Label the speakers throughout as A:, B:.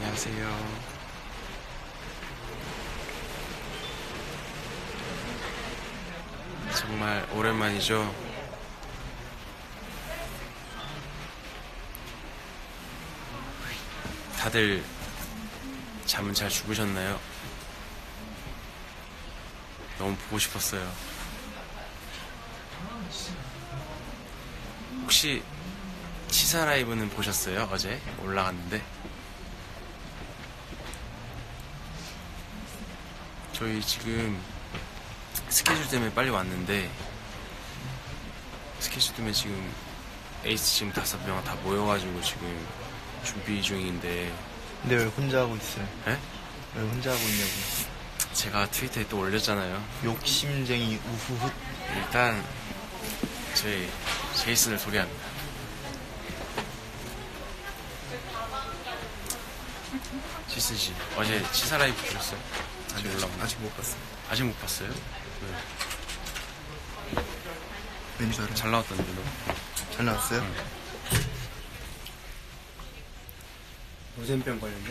A: 안녕하세요. 정말 오랜만이죠. 다들 잠은 잘 주무셨나요? 너무 보고 싶었어요. 혹시 치사 라이브는 보셨어요? 어제 올라갔는데 저희 지금 스케줄 때문에 빨리 왔는데 스케줄 때문에 지금 에이스 지금 5명 다 모여가지고 지금 준비 중인데.
B: 근데 왜 혼자 하고 있어요?
A: 에?
B: 왜 혼자 하고 있냐고.
A: 제가 트위터에 또 올렸잖아요.
B: 욕심쟁이 우후훗.
A: 일단 저희 제이슨을 소개합니다. 제이슨 씨 어제 치사 라이브 보셨어요? 아직 올라온
B: 아직 못 봤어요.
A: 아직 못 봤어요?
B: 왠줄 알아요?
A: 잘 나왔던데 너.
B: 잘 나왔어요?
C: 노잼병 걸렸냐?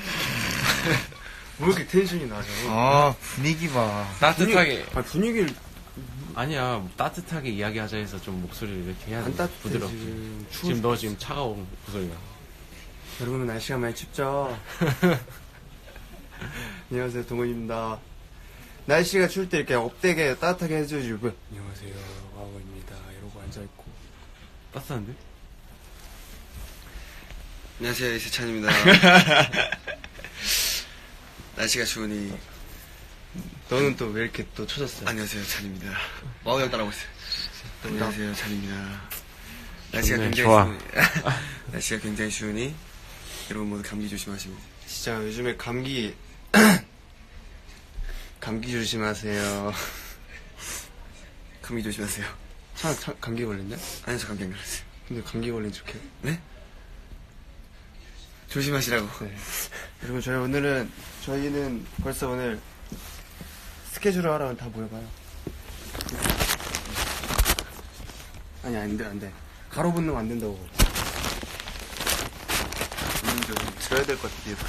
C: 왜 이렇게 텐션이 낮아?
B: 아, 분위기 봐.
A: 따뜻하게.
C: 분위기를
A: 아니야, 따뜻하게 이야기하자 해서 좀 목소리를 이렇게 해야 돼.
C: 안 따뜻해,
A: 부드럽게.
C: 지금.
A: 지금 너 지금 차가운 목소리가.
C: 여러분 날씨가 많이 춥죠? 안녕하세요, 동원입니다. 날씨가 추울 때 이렇게 업되게 따뜻하게 해주시고 안녕하세요, 와우입니다. 이러고 앉아있고.
A: 따뜻한데?
D: 안녕하세요, 이세찬입니다. 날씨가 추우니.
C: 너는 또 왜 이렇게 또 쳐졌어요?
D: 안녕하세요, 찬입니다. 와우 형 따라오고 있어요. 안녕하세요, 찬입니다. 날씨가
A: 좋네,
D: 굉장히
A: 좋아.
D: 추우니. 날씨가 굉장히 추우니 여러분 모두 감기 조심하십니다.
C: 진짜 요즘에 감기 조심하세요.
D: 감기 조심하세요.
C: 감기 걸렸냐?
D: 아니요, 저 감기 안 걸렸어요.
C: 근데 감기 걸린 척해.
D: 네? 조심하시라고.
C: 네. 여러분 저희는 벌써 오늘 스케줄을 하러 다 모여봐요. 아니 안 돼. 가로붙는 거 안 된다고.
D: 좀
B: 들어야 될 것 같아요.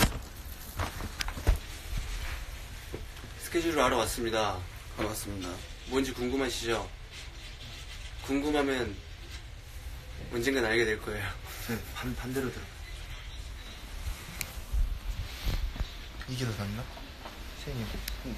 C: 스케줄을 하러 왔습니다.
D: 반갑습니다.
C: 뭔지 궁금하시죠? 궁금하면 언젠간 알게 될 거예요.
B: 네, 반대로 들어. 이게 더 낫나? 세영이 형.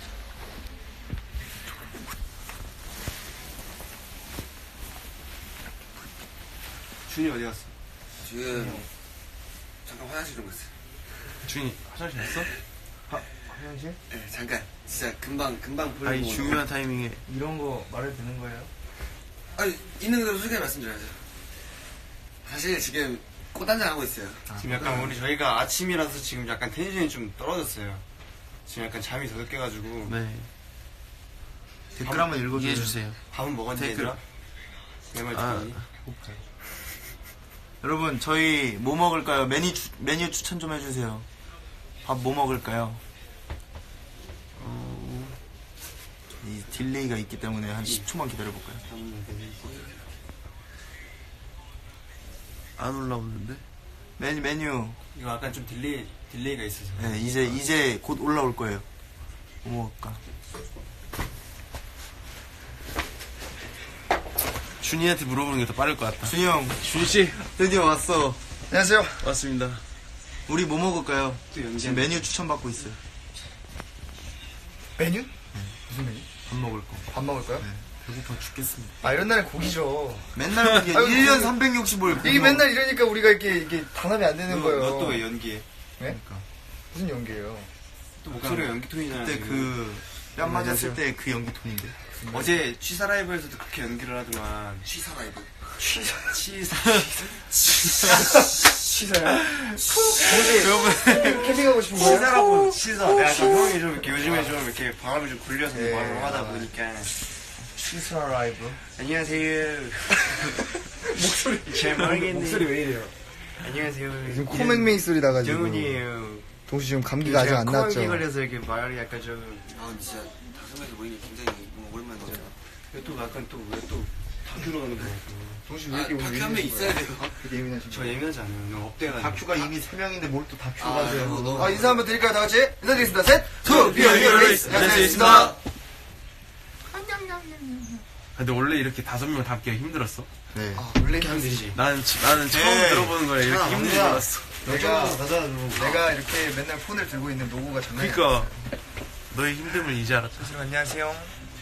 C: 준이 어디 갔어?
D: 지금 잠깐 화장실 좀 갔어요.
A: 준이 화장실 갔어?
B: 화장실?
D: 네, 잠깐. 진짜 금방 풀리고.
A: 아니, 중요한 타이밍에.
B: 이런 거 말해도 되는 거예요?
D: 아니, 있는 그대로 솔직하게 말씀드려야죠. 사실 지금 꽃단장 하고 있어요.
C: 지금 약간 저희가 아침이라서 지금 약간 텐션이 좀 떨어졌어요. 지금 약간 잠이 더 늦게가지고.
A: 네.
B: 댓글 한번 읽어주세요.
A: 이해해주세요.
C: 밥은 먹었니
A: 댓글.
C: 얘들아? 내 말
A: 아.
C: 듣니?
B: 여러분, 저희 뭐 먹을까요? 메뉴 추천 좀 해주세요. 밥 뭐 먹을까요? 이 딜레이가 있기 때문에 한 10초만 기다려볼까요?
A: 안 올라오는데?
B: 메뉴.
C: 이거 약간 좀 딜레이가 있어서.
B: 네, 이제 곧 올라올 거예요. 뭐 먹을까?
A: 준이한테 물어보는 게 더 빠를 것 같다.
B: 준이 형,
A: 준씨,
B: 드디어 왔어. 안녕하세요.
A: 왔습니다.
B: 우리 뭐 먹을까요?
C: 또 연기하네.
B: 지금 메뉴 추천받고 있어요.
E: 메뉴? 무슨 메뉴?
B: 밥 먹을 거.
E: 밥 먹을까요?
B: 배고파 죽겠습니다.
E: 아 이런 날은 고기죠.
B: 맨날 이게
E: 아이고,
B: 1년 365일.
E: 이게 맨날 이러니까 우리가 이게 단합이 안 되는 거예요.
C: 너 또 왜 연기해?
B: 그러니까.
E: 무슨 연기예요?
C: 또 목소리가 연기 톤이잖아.
B: 그때
C: 지금.
B: 뺨 맞았을 때 그 연기 톤인데.
C: 어제 취사 라이브에서도 그렇게 연기를 하더만.
D: 취사 라이브.
C: 취사야?
E: 혹시 캠핑하고 싶은 거예요?
C: 취사라고 취사. 내가 좀 형이 좀 이렇게 요즘에 좀 이렇게 바람이 좀 굴려서 말을 하다 보니까.
B: 시스라 라이브.
C: 안녕하세요. 목소리 잘 모르겠네. 목소리 왜 이래요? 안녕하세요.
E: 지금 코맹맹이 소리 나가지고.
C: 정훈이에요.
E: 동수 지금 감기가 아직 안
C: 코감기
E: 났죠.
C: 걸려서 이렇게 말이 약간 좀.
D: 아, 근데 진짜 다섯 명이서 모이니 굉장히 뭔가 오랜만이죠.
C: 또 약간 또 왜 또 다큐로 가는 거야. 정신 왜
D: 아,
C: 이렇게 오늘
D: 다큐 한 명 있어야 돼요.
E: 되게 예민하신
C: 저 예민하지 않아요. 오늘 업대가
E: 다큐가 이미 3명인데 뭘 또 다큐로
D: 아,
E: 가세요.
D: 너무-
E: 아, 인사 한번 드릴까요? 다 같이? 인사드리겠습니다. 셋,
B: 투, 비어, 히어, 레이스. 안녕하세요, 있습니다.
A: 근데 원래 이렇게 5명 담기가 힘들었어?
B: 네.
E: 원래
A: 힘들지. 나는 처음
B: 네.
A: 들어보는 거야. 이렇게 힘든 줄 알았어.
E: 내가 이렇게 맨날 폰을 들고 있는 노고가 장난이 아니야.
A: 그니까 너의 힘듦을 이제 알았다.
E: 안녕하세요.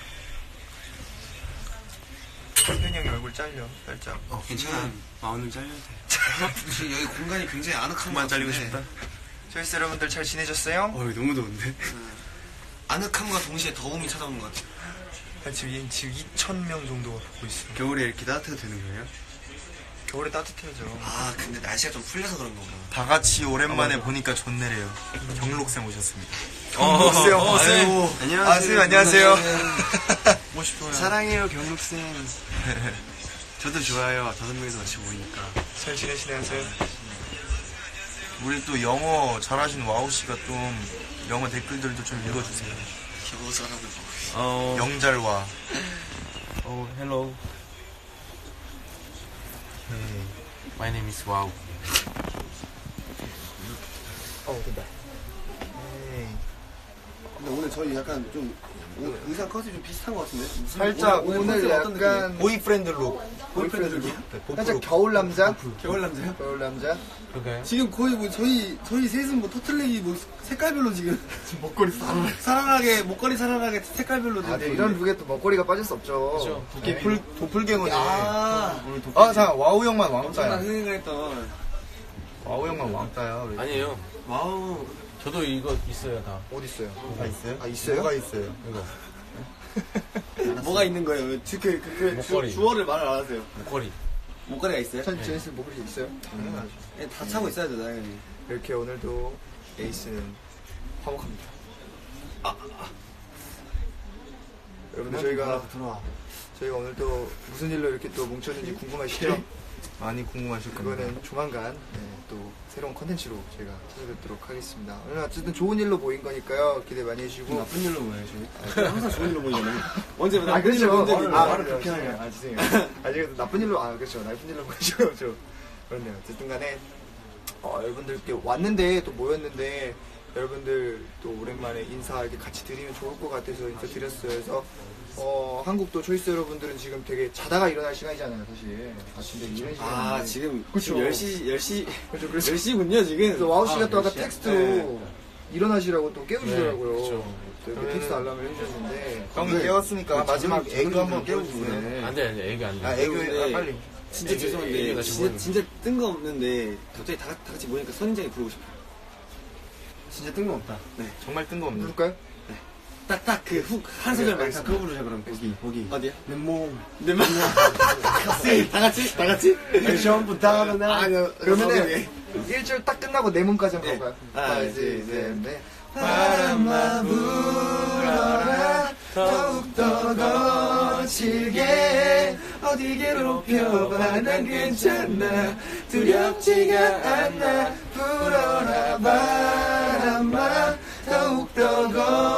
E: 현이 형이 얼굴 잘려, 살짝.
C: 괜찮아. 마음은 잘려도 돼.
D: 지금 여기 공간이 굉장히 아늑한
A: 그만
D: 것
A: 잘리고
D: 같은데
A: 싶다.
E: 저희스 여러분들 잘 지내셨어요?
C: 너무 더운데?
D: 아늑함과 동시에 더움이 찾아오는 것 같아요.
E: 지금 2,000명 정도가 보고 있어요.
C: 겨울에 이렇게 따뜻해도 되는 거예요?
E: 겨울에 따뜻해져.
D: 아 근데 날씨가 좀 풀려서 그런 거구나.
B: 다 같이 오랜만에 보니까 좋네래요. 경록쌤 오셨습니다.
E: 경록쌤.
C: 안녕하세요.
E: 안녕하세요.
B: 멋있어요.
C: 사랑해요, 경록쌤. 저도 좋아요. 5명이서 같이 모이니까.
E: 잘 지내시네요, 쌤.
B: 우리 또 영어 잘하시는 와우씨가 좀 영어 댓글들도 좀 읽어주세요.
D: 겨우 사람을 보고.
B: 영잘와.
A: hello. My name is Wow.
E: 된다.
C: 근데 오늘 저희 약간 좀 의상 컷이 좀 비슷한 것 같은데?
E: 살짝 오늘 약간
B: 보이프렌드 룩.
E: 살짝 겨울 남자?
C: 겨울 남자요?
E: 겨울 남자?
A: 그럴까요?
C: 지금 거의 뭐 저희 셋은 뭐 터틀넥이 뭐 색깔별로 지금
E: 목걸이
C: 살아나게 목걸이 살아나게 색깔별로
E: 아, 네, 이런 룩에 또 먹거리가 빠질 수 없죠.
B: 도플갱어네.
E: 자, 와우 형만
C: 엄청난
E: 왕따야.
C: 흥행을 했던
E: 와우 형만 왕따야. 왜?
A: 아니에요.
C: 와우
A: 저도 이거 있어요 다.
E: 어디 있어요?
B: 다 있어요?
E: 아, 있어요?
B: 뭐가 있어요?
A: 이거
C: 뭐가 있는 거예요?
A: 목걸이.
C: 주어를 말을 안 하세요.
A: 목걸이.
C: 목걸이가 있어요?
E: 제니스 목걸이 있어요?
C: 네, 다 차고 있어야죠 당연히.
E: 이렇게 오늘도 에이스는 화목합니다. 여러분들 저희가 오늘 또 무슨 일로 이렇게 또 뭉쳤는지 궁금하시죠?
B: 많이 궁금하실 겁니다.
E: 그거는 조만간 또 새로운 컨텐츠로 저희가 찾아뵙도록 하겠습니다. 오늘 어쨌든 좋은 일로 모인 거니까요. 기대 많이 해주시고.
C: 나쁜 일로 보여요 저희. 항상 좋은 일로 보이잖아요. 언제 나쁜
E: 그렇죠.
C: 일로 본 적이 있는데
E: 말을 그렇게 하네요. 죄송해요. 제가 나쁜 일로, 그렇죠. 나쁜 일로 보여줘요. 그렇네요. 어쨌든 간에, 여러분들께 왔는데, 또 모였는데, 여러분들 또 오랜만에 인사 이렇게 같이 드리면 좋을 것 같아서 인사 드렸어요. 그래서, 한국도 초이스 여러분들은 지금 되게 자다가 일어날 시간이잖아요, 사실. 아침에 이런 시간인데.
C: 아 지금
E: 그쵸.
C: 10시
E: 그렇죠. 그래서
C: 10시군요 지금.
E: 그래서 와우 씨가 또 아까
C: 10시.
E: 텍스트로
C: 네.
E: 일어나시라고 또 깨우시더라고요.
A: 네, 그쵸.
E: 또 이렇게 텍스트 알람을 해주셨는데.
B: 형이 깨웠으니까 마지막 애교 한번 깨워주세요.
A: 안 돼, 애기 안 돼.
B: 애교,
C: 네.
B: 빨리.
C: 진짜
A: 애기,
C: 죄송한데
A: 애기가
C: 진짜 뜬금없는데 갑자기 다 같이 모이니까 선인장이 부르고 싶어요.
B: 진짜 뜬금없다.
C: 네.
B: 정말 뜬금없네.
E: 부를까요?
C: 딱 그 훅 한 소절만
E: 알겠습니다.
C: 그거 부르자 그럼. 거기. 어디야?
B: 내 몸.
C: 내 맘. 다 같이?
B: 처음부터 하는 날.
E: 아니요. 그러면은 1절 딱 끝나고 내 몸까지 한번
C: 네.
E: 가볼까요?
C: 하나,
E: 둘,
C: 둘,
E: 셋,
C: 셋.
E: 넷.
B: 바람아 불어라 더욱더 거칠게 어디 괴롭혀봐 난 괜찮아 두렵지가 않아 불어라 바람아 더욱더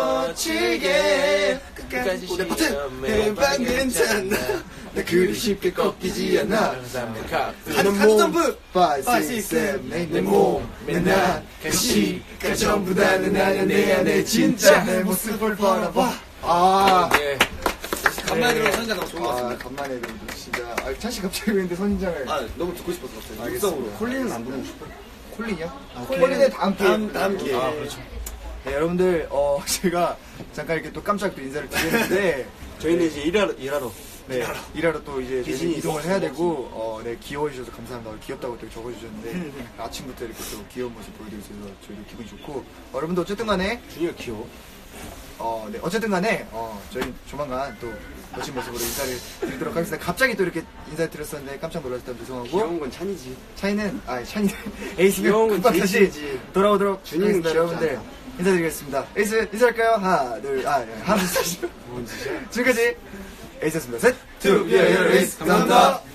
B: 거칠게 끝까지 해봐 괜찮아 나 그리 쉽게 꺾이지 않아 가는 점프 5, 6, 7, 8 내 몸, 내 그 시가 전부 다는 아냐 내 안에 진짜 내 모습을 바라봐
A: 네.
C: 간만에 들어서 선인장 너무 좋은 것 같습니다.
E: 간만에 그래도 진짜. 찬씨 갑자기 근데 선인장을.
C: 너무 듣고 싶어서 갑자기.
E: 알겠습니다.
C: 콜린은 안 부르고 싶어요.
E: 콜린이요? 콜린의 다음 기회.
C: 다음 기회에.
E: 아, 그렇죠. 네, 여러분들, 제가 잠깐 이렇게 또 깜짝 또 인사를 드리는데,
C: 저희는 이제 일하러.
E: 네, 일하러 또 이제
C: 귀신이
E: 이동을 해야 되고, 네, 귀여워주셔서 감사합니다. 귀엽다고 또 적어주셨는데, 아침부터 이렇게 또 귀여운 모습 보여드려서 저희도 기분이 좋고, 여러분들 어쨌든 간에,
C: 준이가 귀여워.
E: 네, 어쨌든 간에, 저희 조만간 또 멋진 모습으로 인사를 드리도록 하겠습니다. 갑자기 또 이렇게 인사를 드렸었는데 깜짝 놀랐을 때 죄송하고,
C: 귀여운 건 찬이지.
E: 찬이는, 찬이는 에이스면
C: 귀여운 건
E: 금방 다시
C: 제이슨이지.
E: 돌아오도록
C: 준이는
E: 하겠습니다.
C: 귀엽지
E: 여러분들
C: 않아.
E: 인사드리겠습니다. 에이스 인사할까요? 하나, 둘, 하나, 둘, 셋. 지금까지 에이스였습니다. 셋,
B: To be a hero is 감사합니다.